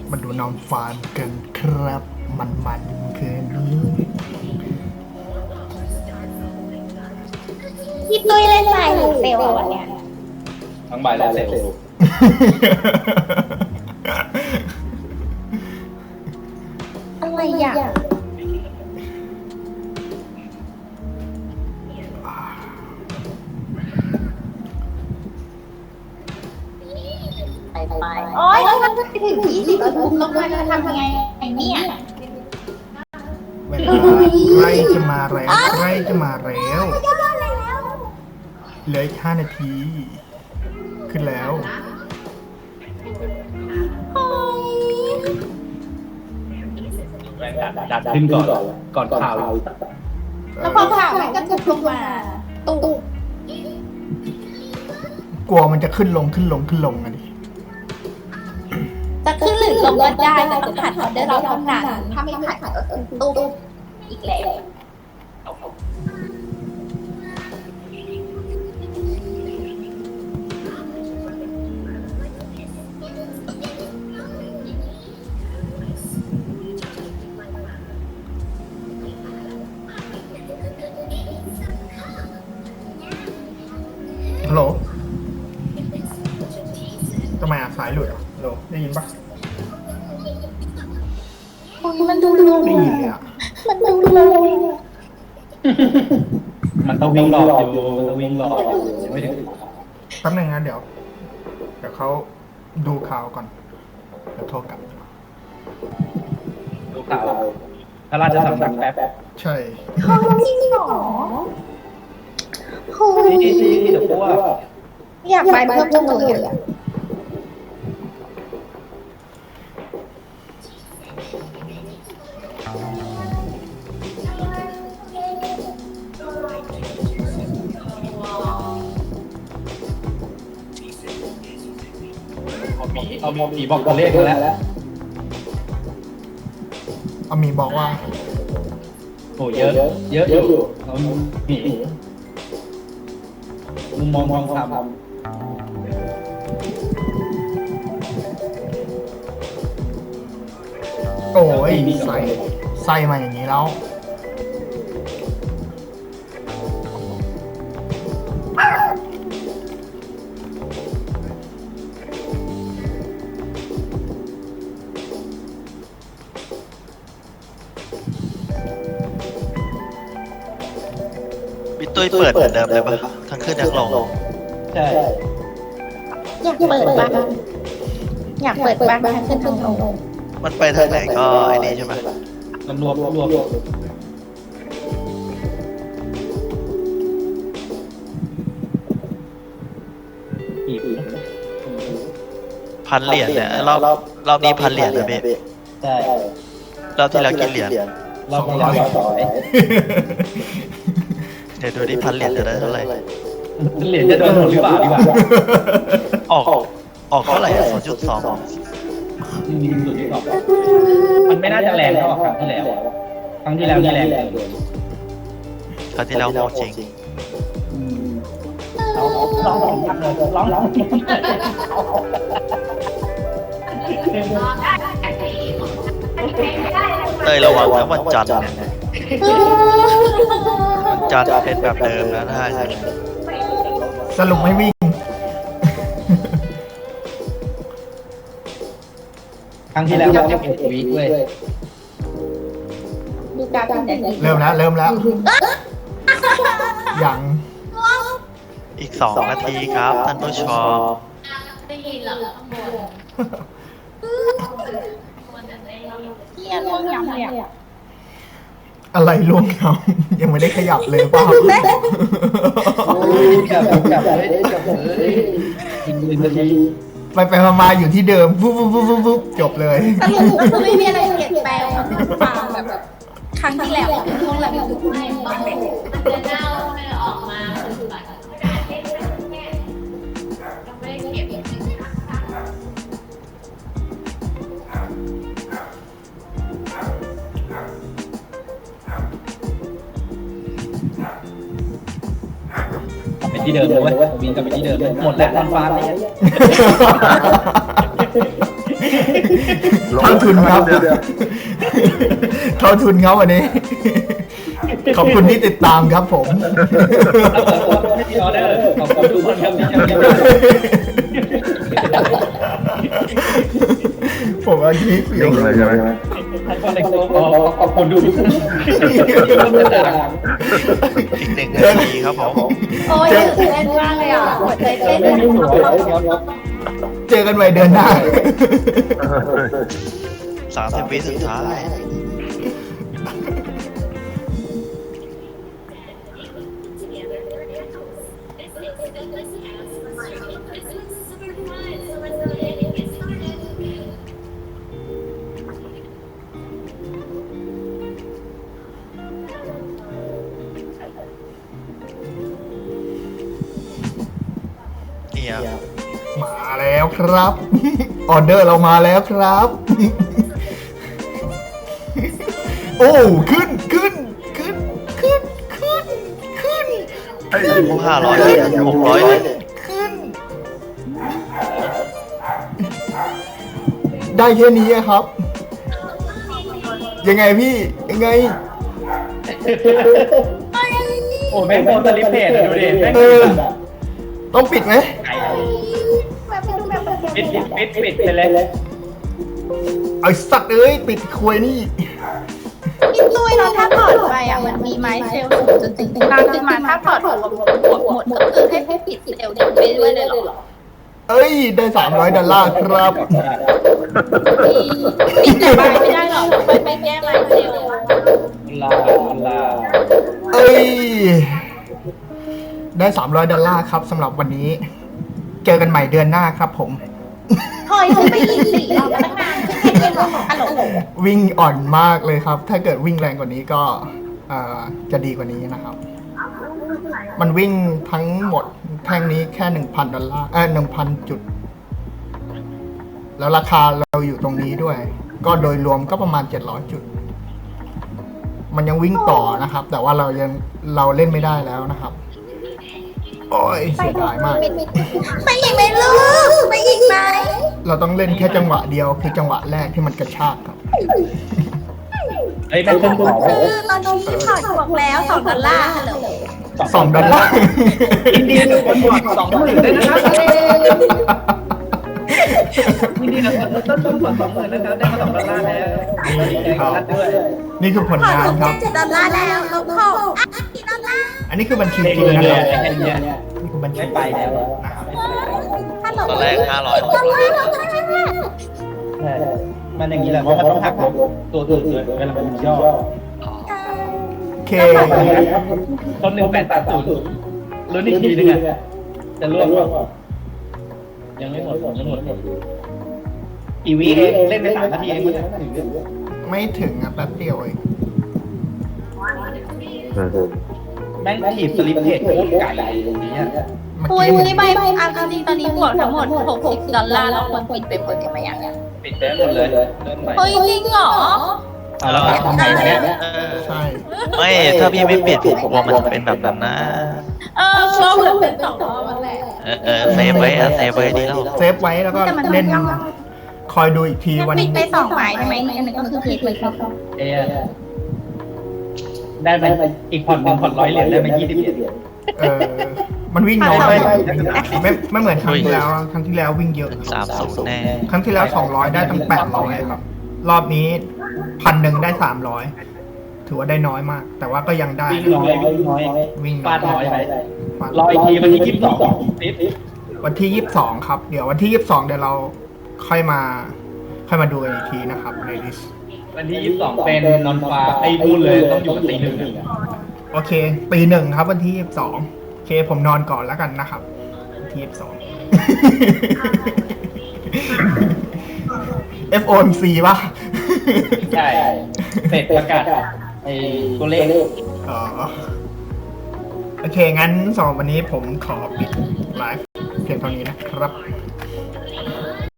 มาดูน้องฟานกันครับมันเกินเลยพี่ตุ้ยเล่นไลน์หรือเซลล์วันเนี้ยทั้งบ่ายและเซลล์อะไรอย่างไปโอ๊ยแล้วมันจะถึง20นาทีต้องมาจะทำไงเนี่ยเวลาใกล้จะมาแล้วใกล้จะมาแล้วเหลืออีก5 นาที ขึ้นแล้วดัดขึ้นก่อนข่าวแล้วพอข่าวมันก็จะลงมาตุ๊กกลัวมันจะขึ้นลงอะดิจะขึ้นหรือลงก็ได้แต่ต้องผ่านออเดอร์เราเท่านั้นถ้าไม่ผ่านก็คือตุ๊กอีกแล้วฮัลโหลทำไมสายหลุดอ่ะฮัลโหลได้ยินปะมันดูลงได้ยินเลยอ่ะมันดูลงมันต้องวิ่งรอบอยู่ไม่ถึงแป๊บนึงนะเดี๋ยวเขาดูข่าวก่อนเดี๋ยวโทรกลับดูข่าวพระราชสำนักแป๊บใช่เขาจริงเหรอโหที่เดี๋ยวพูดว่าอยากไปเพิ่มจังเลยอ่ะเอาผีบอกตัวเลขแล้วอามีบอกว่าโอ้เยอะอยู่เอาผีมุมมองทองคำโอ้ยใส่มาอย่างนี้แล้วพี่ตุ้ยเปิดเหมือนเดิมเลยปะทั้งขึ้นทั้งลงใช่อยากเปิดบ้างอยากเปิดบ้างทั้งขึ้นทั้งลงมันไปทางไหนก็ไอ้นี่ใช่ไหมรวมผี 1,000 เหรียญเนี่ยรอบนี้1,000 เหรียญนะพี่ใช่รอบที่แล้วกี่เหรียญรอบที่แล้ว200 เดี๋ยวดูดิ1,000 เหรียญจะได้เท่าไหร่เหรียญจะโดนหมดหรือเปล่าดีกว่าออกเท่าไหร่อะ0.2 มีสุดที่บอกมันไม่น่าจะแรงเท่าครั้งที่แล้วครั้งที่แล้วนี่แรงเกินครั้งที่แล้วโหดจริงร้องเต้ยระวังนะวันจันทร์เนี่ยวันจันทร์เป็นแบบเดิมนะถ้าใช่ไหมสรุปไม่วิ่งครั้งที่แล้วเราเก็บวีคเว้ยดูการเป็นอย่างนี้เริ่มแล้วยังอีก2 นาทีครับท่านผู้ชมได้ยินเหรอข้างบนเที่ยงยำเลยอ่ะอะไรล่วงเขายังไม่ได้ขยับเลยเปล่าจับเลยยิงปืนนาทีไปมาอยู่ที่เดิมปุ๊บจบเลยสรุปก็คือไม่มีอะไรเปลี่ยนแปลงความแบบครั้งที่แล้วช่วงแรกมันไม่มันจะเน่าไม่ออกมาคือแบบไม่ได้เก็บไปที่เดิมเลยเว้ยวิ่งกลับไปที่เดิมหมดแล้วตอนฟ้าเลยเท่าทุนครับเท่าทุนครับวันนี้ ขอบคุณที่ติดตามครับผมไม่มีออเดอร์ขอบคุณทุกคนครับที่ยังมีผมเอาคลิปอยู่เลยใช่ไหมให้คนในโต๊ะขอบคุณทุกคนอีก1 นาทีครับผมโอ้ยตื่นเต้นมากเลยอ่ะหัวใจเต้นไม่มีหัวเลยเจอกันใหม่เดือนหน้า 30 วิสุดท้าย เนี่ยมาแล้วครับ ออเดอร์เรามาแล้วครับ โอ้ขึ้นไอ้ 500 600เลยขึ้น ได้แค่นี้อะครับ ยังไงพี่ ยังไงโอ้แม่งโดนสลิปเพจดูดิแม่งต้องปิดไหมปิดไปเลยไอ้สัตว์เอ้ย ปิดควยนี่พี่ตุ้ยเราถ้าถอดไปอ่ะมันมีไม้เซลล์จนถึงกลางขึ้นมาถ้าถอดหมดก็คือให้ปิดเซลล์ไปเรื่อยเลยเหรอเอ้ย ได้$300ครับปิดแต่ไม้ไม่ได้หรอกไปแก้ไม้เซลล์ลาเอ้ย ได้$300ครับสำหรับวันนี้ เจอกันใหม่เดือนหน้าครับผมถอยไปอีก4รอบตั้งนานขึ้นแค่เย็นฮัลโหลวิ่งอ่อนมากเลยครับ ถ้าเกิดวิ่งแรงกว่านี้ก็จะดีกว่านี้นะครับ มันวิ่งทั้งหมดแท่งนี้แค่$1,000 1,000 จุด แล้วราคาเราอยู่ตรงนี้ด้วย ก็โดยรวมก็ประมาณ700 จุด มันยังวิ่งต่อนะครับ แต่ว่าเราเล่นไม่ได้แล้วนะครับ โอ้ยเสียดายมากไปอีกไหมลูกไปอีกไหมเราต้องเล่นแค่จังหวะเดียวคือจังหวะแรกที่มันกระชากครับเฮ้ยแม่งขึ้นขอคือตอนนี้ถอดบวกแล้ว$2ฮัลโหล $2 ยินดีกับคนบวก20,000ด้วยนะครับยินดีกับคนต้นทุนของ20,000นะครับได้มา$2แล้วด้วยนี่คือผลถอดงานถูกครับ $7แล้วลบ$6$4 อันนี้คือบัญชีจเด็กริงเลยนะครับไอ้เนี่ยนี่คือบัญชีไม่ไปแล้วนะครับตอนแรก500 มันอย่างนี้แหละเพราะมันต้องหักลบตัวอื่นเวลามันย่อโอเคต้น1880ลุ้นอีกทีนึงอ่ะจะร่วงยังไม่หมดอีวีเองเล่นไป3 นาทีเองมันจะถึงไม่ถึงอ่ะแป๊บเดียวเองแม่งถีบสลิปเพจโคตรไก่ตรงนี้อ่ะเมื่อปุ้ยกี้ปุ้ยใบจริงตอนนี้บวกทั้งหมด$60แล้วคนปิดไปหมดกันไหมยังปิดได้หมดเลยเริ่มใหม่เฮ้ยจริงเหรอเอาแล้วทำไงเนี่ยใช่ไม่ ถ้าพี่ไม่ปิดผมกลัวมันจะเป็นแบบนั้นนะก็เหมือนเป็น2รอบนั่นแหละเซฟไว้เซฟไว้ดีแล้วเซฟไว้แล้วก็เล่น คอยดูอีกทีวันปิดไป2ไม้ใช่ไหมอันนึงก็คือผิดไปครับเอได้ไปอีกผ่อน100 เหรียญได้ไป20 เหรียญมันวิ่งน้อยไม่เหมือนครั้งที่แล้วครั้งที่แล้ววิ่งเยอะ 30แน่ครั้งที่แล้ว200ได้ตั้ง800ครับ รอบนี้1,000ได้300ถือว่าได้น้อยมาก แต่ว่าก็ยังได้วิ่งน้อยวิ่งฟาดน้อยไปฟาดรออีกทีวันที่22ติดวันที่22ครับ เดี๋ยววันที่22เดี๋ยวเราค่อยมาดูกันอีกทีนะครับในลิสต์วันที่22เป็นนอนฟ้าไอ้นู่นเลยต้องอยู่กับตีหนึ่งโอเคตีหนึ่งครับวันที่22โอเคผมนอนก่อนแล้วกันนะครับวันที่22 FOMC ป่ะใช่เสร็จประกาศไอ้ตัวเลขอ๋อโอเค งั้นสำหรับวันนี้ผมขอปิดไลฟ์เพียงเท่านี้นะครับ